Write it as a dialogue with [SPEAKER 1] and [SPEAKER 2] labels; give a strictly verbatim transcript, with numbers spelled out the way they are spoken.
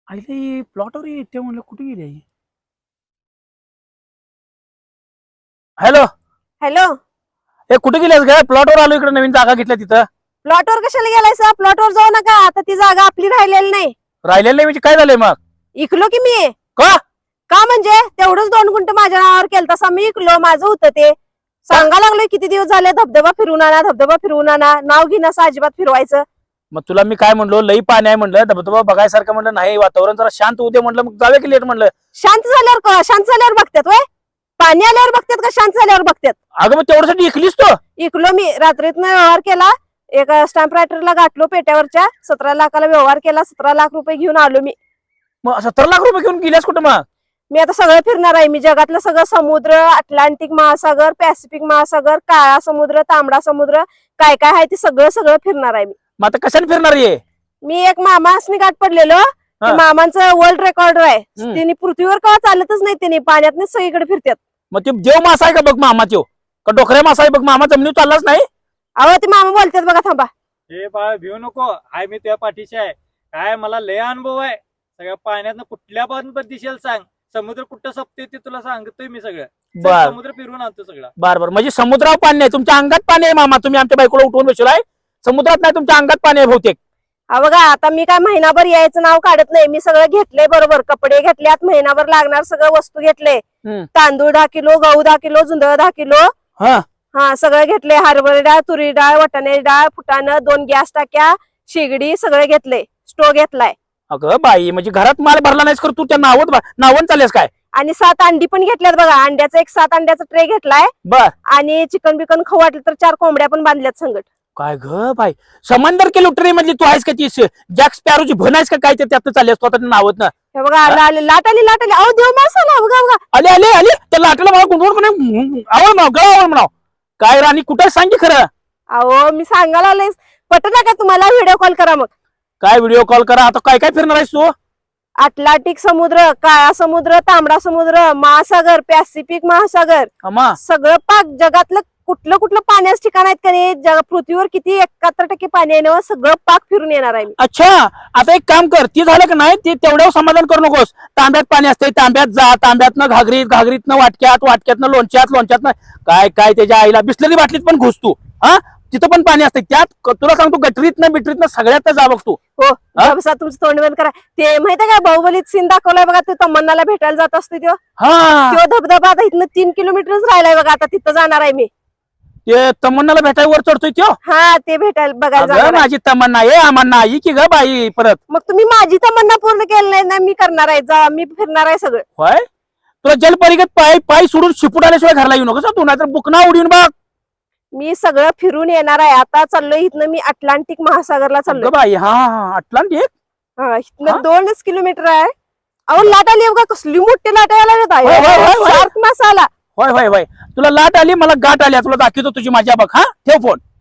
[SPEAKER 1] आईला प्लॉटवर येते म्हणलं कुठे गेली आई? Hello
[SPEAKER 2] hello.
[SPEAKER 1] ए कुठे गेलीस ग? प्लॉटवर आलो, इकडे नवीन जागा घेतल्या तिथं.
[SPEAKER 2] प्लॉटवर कशाला गेलायसा? प्लॉटवर जाऊ नका, आता ती जागा आपली राहिलेली नाही.
[SPEAKER 1] राहिलेलं नाही म्हणजे काय झालंय मग?
[SPEAKER 2] इकलो की मी.
[SPEAKER 1] का
[SPEAKER 2] का म्हणजे तेवढंच दोन गुंठ माझ्या नावावर केलं, तसा मी इकलो, माझं होतं ते. सांगा लागलोय किती दिवस झाले, धबधबा फिरून आणा, धबधबा फिरून आणा. नाव घेणं असं अजिबात फिरवायचं.
[SPEAKER 1] मग तुला मी काय म्हणलो, लई पाणी आहे म्हणलं, धबधबा बघायसारखं म्हणलं, नाही वातावरण जरा शांत होऊ दे म्हणलं, मग जाऊया की लेट म्हणलं.
[SPEAKER 2] शांत झाल्यावर का- शांत झाल्यावर बघतात वय? पाणी आल्यावर बघतात का शांत झाल्यावर बघतात?
[SPEAKER 1] अगं मग तेवढ्यासाठी इकलीस तो?
[SPEAKER 2] इकलो मी, रात्रीतनं व्यवहार केला, एक स्टॅम्प रायटरला गाठलो पेट्यावरच्या, सतरा लाखाला व्यवहार केला, सतरा लाख रुपये घेऊन आलो मी.
[SPEAKER 1] मग सत्तर लाख रुपये घेऊन गेल्यास कुठं मग?
[SPEAKER 2] मी आता सगळं फिरणार आहे. मी जगातलं सगळं समुद्र, अटलांटिक महासागर, पॅसिफिक महासागर, काळा समुद्र, तांबडा समुद्र, काय काय आहे ते सगळं सगळं फिरणार आहे मी.
[SPEAKER 1] मग आता कशाने फिरणार आहे?
[SPEAKER 2] मी एक मामासनी गाठ पडलेलो, ते मामांचं वर्ल्ड रेकॉर्ड आहे.
[SPEAKER 1] हम्म.
[SPEAKER 2] त्यांनी पृथ्वीवर का चालतच नाही, त्यांनी पाण्यात सगळीकडे फिरतात.
[SPEAKER 1] मग ते देव मासा आहे का बघ मामा, त्यो का डोकऱ्या मासा आहे बघ मामा, जमिनीवर चाललाच नाही.
[SPEAKER 2] अहो ते मामा बोलतात बघा, थांबा.
[SPEAKER 3] हे बाळ भिऊ नको, हाय मी तुझ्या पाठीशी आहे. काय मला लय अनुभव आहे सगळ्या पाण्यात, कुठल्या पण दिशेला सांग, समुद्र कुठं सपते ते तुला सांगतोय मी सगळं. चल,
[SPEAKER 1] बर
[SPEAKER 3] समुद्र फिरून आणतो सगळं.
[SPEAKER 1] बर बर म्हणजे समुद्रावर पाणी नाही, तुमच्या अंगात पाणी आहे मामा. तुम्ही आमच्या बायकोला उठवून बसलाय, समुद्रात नाही, तुमच्या अंगात पाणी आहे बहुतेक.
[SPEAKER 2] हा बघा, आता मी काय महिनाभर यायचं नाव काढत नाही. मी सगळं घेतलंय बरोबर, कपडे घेतल्यात, महिनाभर लागणार सगळं वस्तू घेतले.
[SPEAKER 1] हम्म.
[SPEAKER 2] तांदूळ दहा किलो, गहू दहा किलो, जुंधळ दहा किलो,
[SPEAKER 1] हा
[SPEAKER 2] हा सगळं घेतले. हरभरा डाळ, तुरी डाळ, वाटाण्याची डाळ, फुटाणं, दोन गॅस टाक्या, शेगडी, सगळं घेतले. स्टोव घेतलाय.
[SPEAKER 1] अगं बाई, म्हणजे घरात माल भरला नाहीस कर तू, त्या नावत नावून चालेस काय?
[SPEAKER 2] आणि सात अंडी पण घेतल्यात बघा. अंड्याचा एक सात अंड्याचा ट्रे घेतलाय.
[SPEAKER 1] बर
[SPEAKER 2] आणि चिकन बिकन खाऊ वाटलं तर चार कोंबड्या पण बांधल्यात संगट.
[SPEAKER 1] काय ग बाई, समंदर के लुटरे म्हणजे तू आहेस का ती जॅक स्पॅरोची भन आहेस का काय? ते त्यात चाललेस तो आता नावत ना.
[SPEAKER 2] हे बघा, आलं आलं, लाट आली लाट आली. अहो देव माणसाला बघा बघा.
[SPEAKER 1] आले आले आले, त्या लाटेला मला गुंडवून म्हणे आवड म्हणाव, गळा आवड म्हणाव. काय राणी कुठं सांग की खरं.
[SPEAKER 2] अहो मी सांगायला आलोय, पटत का तुम्हाला? व्हिडिओ कॉल करा मग.
[SPEAKER 1] काय व्हिडिओ कॉल करा? आता काय काय फिरणार आहेस तू?
[SPEAKER 2] अटलांटिक समुद्र, काळा समुद्र, तांबडा समुद्र, महासागर, पॅसिफिक महासागर,
[SPEAKER 1] अम्मा
[SPEAKER 2] सगळं पाक जगातलं कुठलं कुठलं पाण्याचं ठिकाण आहेत का नाही, जग पृथ्वीवर किती एकाहत्तर टक्के पाणी आहे ना, सगळं पाक फिरून येणार आहे मी.
[SPEAKER 1] अच्छा, आता एक काम कर, ती झालं का नाही ते तेवढ्यावर समाधान करू नकोस. तांब्यात पाणी असते, तांब्यात जा, तांब्यातनं घागरीत, घागरीतनं वाटक्यात, वाटक्यातनं लोणच्यात, लोणच्यातनं काय काय त्याच्या आईला बिसलेली बाटलीत पण घुस तू. हा तिथं पण पाणी असते, त्यात तुला सांगतो गटरीतनं बिटरीतनं सगळ्यात जा बघ तू.
[SPEAKER 2] हो बसा, तुमचं तोंड बंद करा. ते माहितीये का, बाहुबलीत सीन दाखवलाय बघा, तो तमन्नाला भेटायला जात असतो तो
[SPEAKER 1] हा
[SPEAKER 2] तो धबधबा आता इथनं तीन किलोमीटरच राहिलाय बघा, आता तिथं जाणार आहे मी.
[SPEAKER 1] ते तमन्नाला भेटाय वर चढतोय त्यो.
[SPEAKER 2] हा ते भेटायला बघायला
[SPEAKER 1] अगं
[SPEAKER 2] जाणार आहे.
[SPEAKER 1] माझी तमन्ना ये आम्हाला आई की ग बाई परत.
[SPEAKER 2] मग तुम्ही माझी तमन्ना पूर्ण केली नाही ना, मी करणार आहे, जा मी फिरणार आहे सगळं.
[SPEAKER 1] होय, तुला जलपरिगत पाय पाय सोडून शिपूट आल्याशिवाय घरला येऊ नकोस तू, नाहीतर बुकना उडीन बघ.
[SPEAKER 2] मी सगळं फिरून येणार आहे. आता चाललोय इथनं मी अटलांटिक महासागरला चाललोय.
[SPEAKER 1] अगं बाई, हा हा अटलांटिक.
[SPEAKER 2] हा
[SPEAKER 1] हा?
[SPEAKER 2] इथनं दोनच किलोमीटर आहे. अहो लाट आली बघा, कसली मोठी लाट यायला
[SPEAKER 1] होय, होय, होय, होय.
[SPEAKER 2] शार्क मासा आला.
[SPEAKER 1] होय होय होय, तुला लाट आली, मला गाठ आली, तुला दाखवतो तुझी माझ्या बघ. हा ठेव फोन.